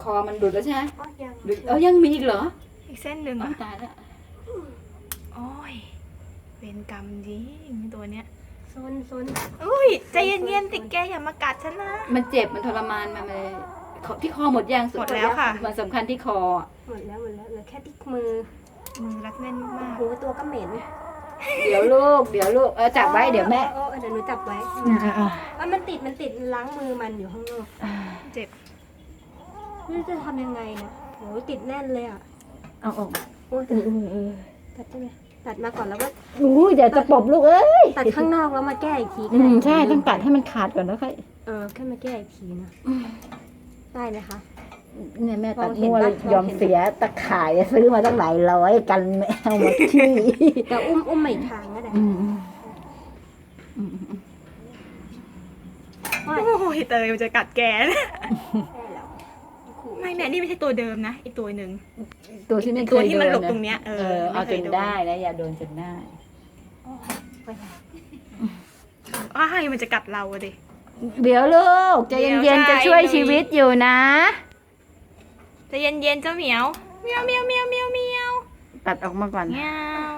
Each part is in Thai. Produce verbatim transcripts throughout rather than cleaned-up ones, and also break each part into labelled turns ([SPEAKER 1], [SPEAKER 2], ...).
[SPEAKER 1] อมันหลุดแล้วใช่ไหม
[SPEAKER 2] อ๋อยัง
[SPEAKER 1] หลุดเออยังมีอีกเหรอ
[SPEAKER 3] อีกเส้นหนึ่ง
[SPEAKER 1] อ๋อ
[SPEAKER 3] อ่ะ
[SPEAKER 1] ตายแล้ว
[SPEAKER 3] โอ้ยเวรกรรมจริงตัวเนี้ย
[SPEAKER 2] โซนโซน
[SPEAKER 3] อุ้ยใจเย็นๆสิแกอย่ามากัดฉันนะ
[SPEAKER 1] มันเจ็บมันทรมานมันเลยที่คอหมดยัง
[SPEAKER 3] หมดแล้วค่ะ
[SPEAKER 1] มันสำคัญที่คอ
[SPEAKER 2] หมดแล้วหมดแล้วเหลือแค่ที่มือ
[SPEAKER 3] มือรัดแน่นมาก
[SPEAKER 2] หูตัวก็เหม็น
[SPEAKER 1] เดี๋ยวลูกเดี๋ยวลูกเออจับไว้เดี๋ยวแม่
[SPEAKER 2] เออเออเดี๋ยวหนูจับไว้
[SPEAKER 1] อ่าอ่า
[SPEAKER 2] อ่ะมันติดมันติดล้างมือมันอยู่ข้างนอก
[SPEAKER 1] อ่า
[SPEAKER 3] เจ็บ
[SPEAKER 2] ไม่รู้จะทำยังไงนะโหติดแน่นเลยอ่ะ
[SPEAKER 1] เอาออก
[SPEAKER 2] โอ้ย
[SPEAKER 1] เออเออเออ
[SPEAKER 2] ตัดได้ไหมตัดมาก่อนแล้วก็
[SPEAKER 1] อู้เดี๋ยวจะปบลูกเอ้ย
[SPEAKER 2] ตัดข้างนอกแล้วมาแก้อีกที
[SPEAKER 1] อืมใช่ต้องตัดให้มันขาดก่อนแล้วค่อย
[SPEAKER 2] เออแค่มาแก้อีกทีนะได้ไหมคะ
[SPEAKER 1] เนี่ยแม่ตัด
[SPEAKER 2] มองเห็น
[SPEAKER 1] มั่วเลย
[SPEAKER 2] ปะ
[SPEAKER 1] ยอมเสียตะข่ายซื้อมาตั้งหลายร้อยกันแมวมาขี้
[SPEAKER 2] แต่อุ้มอุ้มใหม่ทางก็ได้
[SPEAKER 1] อืมอืมอืมอืม
[SPEAKER 2] โอ้ย
[SPEAKER 3] โอ้ยเตยมันจะกัดแกนะ
[SPEAKER 2] ได้แล้วขู่
[SPEAKER 3] ไม่แม่นี่ไม่ใช่ตัวเดิมนะอีกตัวหนึ่ง
[SPEAKER 1] ตัวที่ไม่
[SPEAKER 3] ตัว
[SPEAKER 1] เคย
[SPEAKER 3] ที่มัน
[SPEAKER 1] โด
[SPEAKER 3] หลบ
[SPEAKER 1] นะ
[SPEAKER 3] ตรงเนี้ยเอ
[SPEAKER 1] เอ
[SPEAKER 3] อ
[SPEAKER 1] อเอา
[SPEAKER 3] ม่ค
[SPEAKER 1] จ
[SPEAKER 3] ย
[SPEAKER 1] น
[SPEAKER 3] โ
[SPEAKER 1] ได้นะอย่าโดนจนได้
[SPEAKER 2] โอ้ยไปค่ะ
[SPEAKER 3] อ้ายมันจะกัดเราอะดิ
[SPEAKER 1] เดี๋ยวลูกใจ
[SPEAKER 3] เดี๋ยว
[SPEAKER 1] เย็นๆ
[SPEAKER 3] ใช่
[SPEAKER 1] จะช่วยชีวิตอยู่นะ
[SPEAKER 3] ใจะเย็นๆเจ้าเหมียวเมียวเมียวเมียวเมียวเมียว
[SPEAKER 1] ตัดออกมาก่อน
[SPEAKER 3] เมียว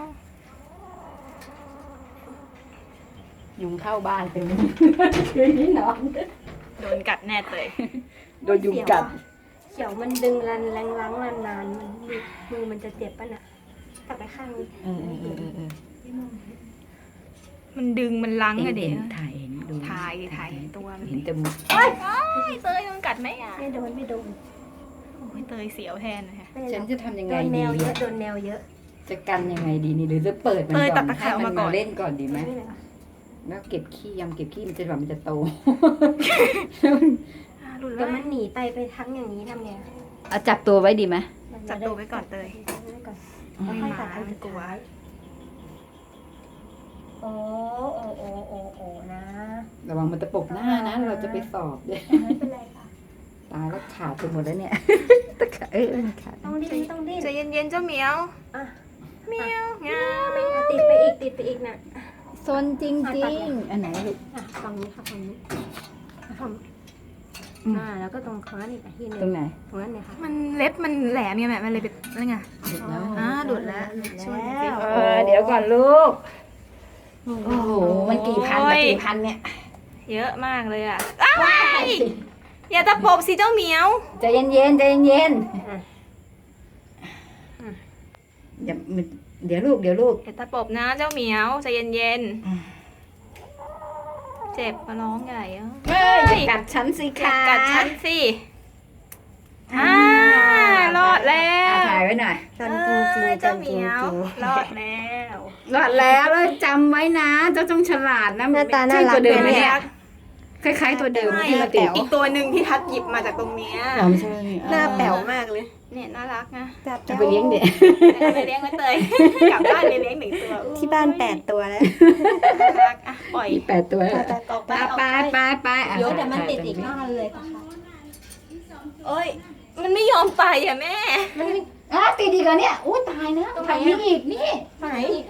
[SPEAKER 1] ยุงเข้าบ้านเป็นคืนนี้นอน
[SPEAKER 3] โดนกัดแน่เตย
[SPEAKER 1] โดนยุงกัด
[SPEAKER 2] เขียวมันดึงรันแรงล้างนานๆมันมือมันจะเจ็บป่ะน่ะตัดไปข้างนี้
[SPEAKER 1] เออเออเออเออเออ
[SPEAKER 3] มันดึงมันลัง
[SPEAKER 1] เห็
[SPEAKER 3] อะ
[SPEAKER 1] น
[SPEAKER 3] เด็
[SPEAKER 1] เห็นถ่ายเห็นดู
[SPEAKER 3] ถ่ายถ่ายตัวมัน
[SPEAKER 1] เห็นแต่มุก
[SPEAKER 3] โอ้ยเตยโดนกัดไหมอ่ะ
[SPEAKER 2] ไม่โดนไม่โดน
[SPEAKER 3] โอ้ยเตยเสียวแทนนะคะ
[SPEAKER 2] ไม่
[SPEAKER 1] ฉัน
[SPEAKER 2] โดน
[SPEAKER 1] จะทำยัง
[SPEAKER 2] โด
[SPEAKER 1] ไง
[SPEAKER 2] นแน
[SPEAKER 1] ดี
[SPEAKER 2] วเยอะโดนแนวเยอะ
[SPEAKER 1] จะกันยังไงดีนี่หรือจะเปิดมัน
[SPEAKER 3] เตย
[SPEAKER 1] ก่
[SPEAKER 3] ตั
[SPEAKER 1] อ
[SPEAKER 3] ด
[SPEAKER 1] น
[SPEAKER 3] ตะ
[SPEAKER 1] ให้
[SPEAKER 3] ข่ายออก
[SPEAKER 1] มัน
[SPEAKER 3] มาก่
[SPEAKER 1] มา
[SPEAKER 3] อน
[SPEAKER 1] เล่นก่อนดีไหม
[SPEAKER 2] ไม่เลยเหรอ
[SPEAKER 1] แล้วเก็บขี้ยำเก็บขี้มันจะแบบมันจะโต
[SPEAKER 3] อ่ะหลุด
[SPEAKER 2] เดี๋
[SPEAKER 3] แล้
[SPEAKER 2] ยว วมันหนีไปไปทั้งอย่างนี้ทำไง
[SPEAKER 1] เอาจับตัวไว้ดีไหม
[SPEAKER 3] จับตัวไว้ก่อนเตย
[SPEAKER 2] จับตัวไว้ก่อน
[SPEAKER 3] ไม่
[SPEAKER 2] ค่อย
[SPEAKER 3] มา
[SPEAKER 2] ตัดอัน
[SPEAKER 3] ไม่
[SPEAKER 2] สุด
[SPEAKER 3] กลัว
[SPEAKER 2] ท้ายโอ้โอ้โอ้โอ้โอ้นะ
[SPEAKER 1] ระวังมันจะปกหน้านะ เราจะไปสอบด้วย
[SPEAKER 2] ไม่เป็นไรค่ะ
[SPEAKER 1] ตายแล้วขาดไปหมดแล้วเนี่ย ตะขาเออขาด
[SPEAKER 2] ต้องดิ้นต้องดิ้น
[SPEAKER 3] ใจเย็นๆเจ้าเหมียว
[SPEAKER 2] อ่ะ
[SPEAKER 3] เหมียวเมียว
[SPEAKER 2] อ่ะติดไปอีกติดไปอีกน่ะ
[SPEAKER 1] ซนจริงจริงอันไหนลูก
[SPEAKER 2] อ่ะฝั่งนี้ค่ะฝั่งนี้ฝั่ง
[SPEAKER 1] อืม
[SPEAKER 2] อ่าแล้วก็ตรงค้อนอีกอ่ะที่หนึ
[SPEAKER 1] ตรง
[SPEAKER 2] ง
[SPEAKER 1] ไหน
[SPEAKER 2] ตรงนั้นเนี่ยค่ะ
[SPEAKER 3] มันเล็บมันแหลมไงแม่มันเลยเป็นอะไรไง
[SPEAKER 1] หยุดแล้ว
[SPEAKER 3] อ่าหลุดแล้ว
[SPEAKER 2] หลุด
[SPEAKER 3] ช่วย
[SPEAKER 2] แล้
[SPEAKER 3] สิ
[SPEAKER 2] ว
[SPEAKER 1] เออเดี๋ยวก่อนลูก โอ้โห มันกี่พันมากี่พันเนี่ย
[SPEAKER 3] เยอะมากเลยอ่ะอ้าวอย่าตะปบสิเจ้าเหมียว
[SPEAKER 1] ใจเย็นๆใจเย็น
[SPEAKER 2] อ่ะ
[SPEAKER 1] ๆอย่ามันเดี๋ยวลูกเดี๋ยวลูก
[SPEAKER 3] อย่าตะปบนะเจ้าเหมียวใจเย็น
[SPEAKER 1] อืม
[SPEAKER 3] ๆเจ็บมาร้องใหญ่อะ
[SPEAKER 1] เฮ้ยอย่ากัดฉันสิ
[SPEAKER 3] อย่า
[SPEAKER 1] คะ
[SPEAKER 3] กัดฉันสิอ่ารอดแล้
[SPEAKER 1] อ่ะ
[SPEAKER 3] ว
[SPEAKER 1] ถ่ายไว้หน่อย
[SPEAKER 2] จันจริงจริง
[SPEAKER 3] เอ้ย
[SPEAKER 2] จั
[SPEAKER 3] เจ้าน เห
[SPEAKER 2] จริ
[SPEAKER 3] มี
[SPEAKER 2] ง
[SPEAKER 3] ยว
[SPEAKER 2] จริง
[SPEAKER 3] รอดแล้ว
[SPEAKER 1] รอดแล้วแล้วจำไว้นะ เจ้าจงฉลาดนะ
[SPEAKER 2] หน้าตาน่ารัก
[SPEAKER 1] ใช่ตัวเดิมไหม
[SPEAKER 2] เลย
[SPEAKER 1] เนี่
[SPEAKER 2] เนี่ย ย
[SPEAKER 1] คล้ายๆตัวเดิม
[SPEAKER 3] ไม่
[SPEAKER 1] ที่มาติด
[SPEAKER 3] อีกตัวหนึ่งที่ทัดหยิบมาจากตรงเนี้ย
[SPEAKER 1] อ๋อไม่ใช่
[SPEAKER 2] หน้าแป๋วมากเลย
[SPEAKER 3] เนี่ยน่ารักนะ
[SPEAKER 2] จับ
[SPEAKER 1] จะไปเลี้ยงเด็ก
[SPEAKER 3] เอาไปเลี้ยงไว้เตยกลับบ้านไปเลี้ยงหนึ่งตัวอุ๊ย
[SPEAKER 2] ที่บ้านแปดตัวแล้ว
[SPEAKER 3] น่ารักอ่ะปล่อย
[SPEAKER 1] มีแปดตัวแล้ว
[SPEAKER 3] ออกไป
[SPEAKER 1] ไป
[SPEAKER 3] ออก
[SPEAKER 1] ไป
[SPEAKER 3] ไป
[SPEAKER 1] ไปไปอ่ะ
[SPEAKER 2] เดี๋ยวเดี๋ยวมันติดอีกนอนเลยค่ะ
[SPEAKER 3] โอ้ยมันไม่ยอมไปอ่ะแม่
[SPEAKER 2] มันไม่
[SPEAKER 1] อ่ะติดอีกเหรอเนี่ยอู้ตายนะ
[SPEAKER 2] ตรงไหน
[SPEAKER 1] ทำ
[SPEAKER 2] อ่ะ
[SPEAKER 1] นี่อีกนี่
[SPEAKER 2] ไหน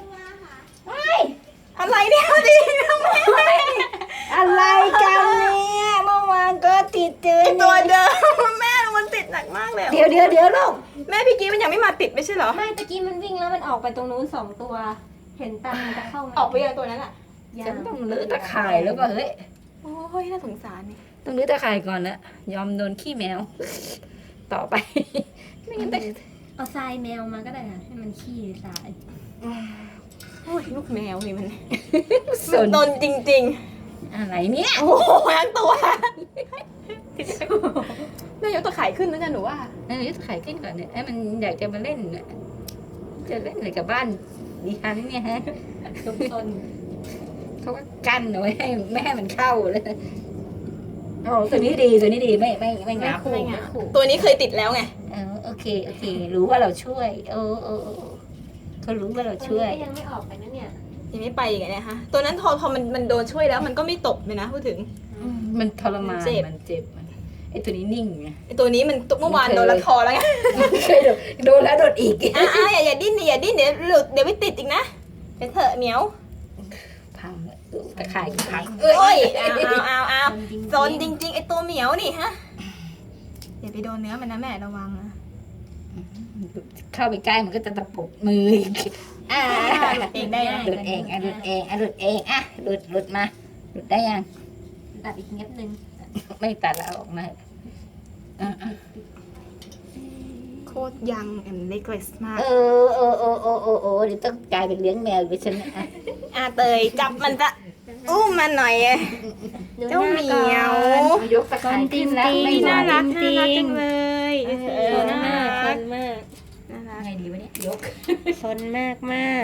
[SPEAKER 3] อะไรเนี่ยดิทำไม
[SPEAKER 1] อะไรกันเนี่ยเมื่อวานก็ติดเจอ
[SPEAKER 3] ไอตัวเดิมแม่มันติดหนักมากเลยอะ
[SPEAKER 1] เดี๋ยวเดี๋ยวเดี๋ยวลูก
[SPEAKER 3] แม่พี่กี้มันยังไม่มาติดไม่ใช่เหรอ
[SPEAKER 2] ไม่ตะกี้มันวิ่งแล้วมันออกไปตรงนู้นสองตัว เห็นตันมันจะเข้ามา
[SPEAKER 3] ออกไปยังตัวนั้นอ่ะ
[SPEAKER 1] ฉันต้องลื้อตะข่ายแล้วก็เฮ้ย
[SPEAKER 3] โอ้ยน่าสงสารนี่
[SPEAKER 1] ต้องลื้อตะข่ายก่อนนะยอมโดนขี้แมว ต่อไป ไม่งั้นตะ
[SPEAKER 2] เอาทรายแมวมาก็ได้ค่ะให้มันขี้ทราย
[SPEAKER 3] โอ้ยลูกแมวนี่มัน
[SPEAKER 1] สน
[SPEAKER 3] โดนจริง
[SPEAKER 1] อะไรเนี่ย
[SPEAKER 3] ๆ โอ้โหทั้งตัวแม่ยกตะข่ายขึ้นแล้วกันหนูว่า
[SPEAKER 1] เออยึดไข่ขึ้นก่อนเนี่ยไอ้มันอยากจะมาเล่นน่ะจะเล่นอะไรกับบ้านดิฉันเนี่ยฮะ
[SPEAKER 2] ซุกซน
[SPEAKER 1] เขาก็กั้นเอาไว้ให้แม่ให้มันเข้าเลยโอ้ตัวนี้ดีตัวนี้ดีไม่ไม่ไม่งับ
[SPEAKER 3] ไม่งับ
[SPEAKER 1] ขู่
[SPEAKER 3] ตัวนี้เคยติดแล้วไง
[SPEAKER 1] เออโอเคโอเค รู้ว่าเราช่วยเออเออเออเขารู้ว่าเราช่วย
[SPEAKER 2] ก็ยังไม่ออกไปนะเนี่ย
[SPEAKER 3] ยังไม่ไปอีกอะเนี่ยฮะตัวนั้นพอพอมันมันโดนช่วยแล้วมันก็ไม่ตบเลยนะพูดถึง
[SPEAKER 1] มันทรมาน
[SPEAKER 3] เจ็บ
[SPEAKER 1] มันเจ็บมันไอ้ตัวนี้นิ่งไง
[SPEAKER 3] ไอตัวนี้มันเมื่อวานโดนละคอแล้วไง
[SPEAKER 1] เคยโดนโดนแล้วโดนอีก
[SPEAKER 3] อ่ะอ่ะอย่าอย่าดิ้นดิอย่าดิ้นเดี๋ยวหลุดเดี๋ยวไม่ติดอีกนะเดี๋ยวเถอะเหมียว
[SPEAKER 1] พังเลยตะข่ายพัง
[SPEAKER 3] โอ้ยเอาเอาเอาเอา
[SPEAKER 2] จริงๆ
[SPEAKER 3] โซนจริงๆไอตัวเหมียวนี่ฮะอย่าไปโดนเนื้อมันนะแม่ระวังนะ
[SPEAKER 1] เข้าไปใกล้มันก็จะตะปบมืออีกอ่า
[SPEAKER 3] หลุดเองได้ไหม
[SPEAKER 1] หลุดเองอ่ะหลุดเองอ่ะหลุดเองอ่ะหลุดหลุดมาหลุดได้ยัง
[SPEAKER 2] ตัดอีกนิดนึง
[SPEAKER 1] ไม่ตัดแล้วออกมาอ่ะอ่ะ
[SPEAKER 3] โคตรยังแอนเล็กเลสมาก
[SPEAKER 1] เออเออเออเออเออเออเดี๋ยวต้องกลายเป็นเลี้ยงแมวไปฉันนะอ่ะ
[SPEAKER 3] อาเตยจับมันจะอุ้มมันหน่อยอะ
[SPEAKER 2] ดู
[SPEAKER 3] เจ้า
[SPEAKER 2] ห
[SPEAKER 3] เห
[SPEAKER 2] น้
[SPEAKER 3] มี
[SPEAKER 2] ก่อน
[SPEAKER 3] ยว
[SPEAKER 1] ยกตะไคร้ขึ้นแล้วไม่ไหว
[SPEAKER 3] น่ารัก
[SPEAKER 2] จริ
[SPEAKER 3] น่าง รักจังเลย
[SPEAKER 2] เออน่ารักซนมาก
[SPEAKER 3] น่ารัก
[SPEAKER 1] ไงดีวะเนี่ยยก
[SPEAKER 2] ซนมากมาก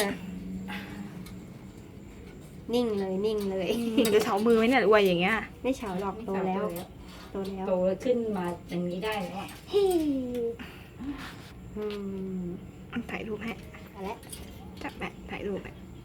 [SPEAKER 2] นิ่งเลยนิ่งเลย
[SPEAKER 3] มันจะเฉามือไหมเนี่ยอวยอย่างเงี้ย
[SPEAKER 2] ไม่เฉาหรอกโตแล้วโตแล้ว
[SPEAKER 1] โตขึ้นมาอย่างนี้ได้แล้วอ่ะ
[SPEAKER 2] ฮิอืม
[SPEAKER 3] ถ่ายรูปให้
[SPEAKER 2] เอาละ
[SPEAKER 3] จับแปะถ่ายรูปแปะ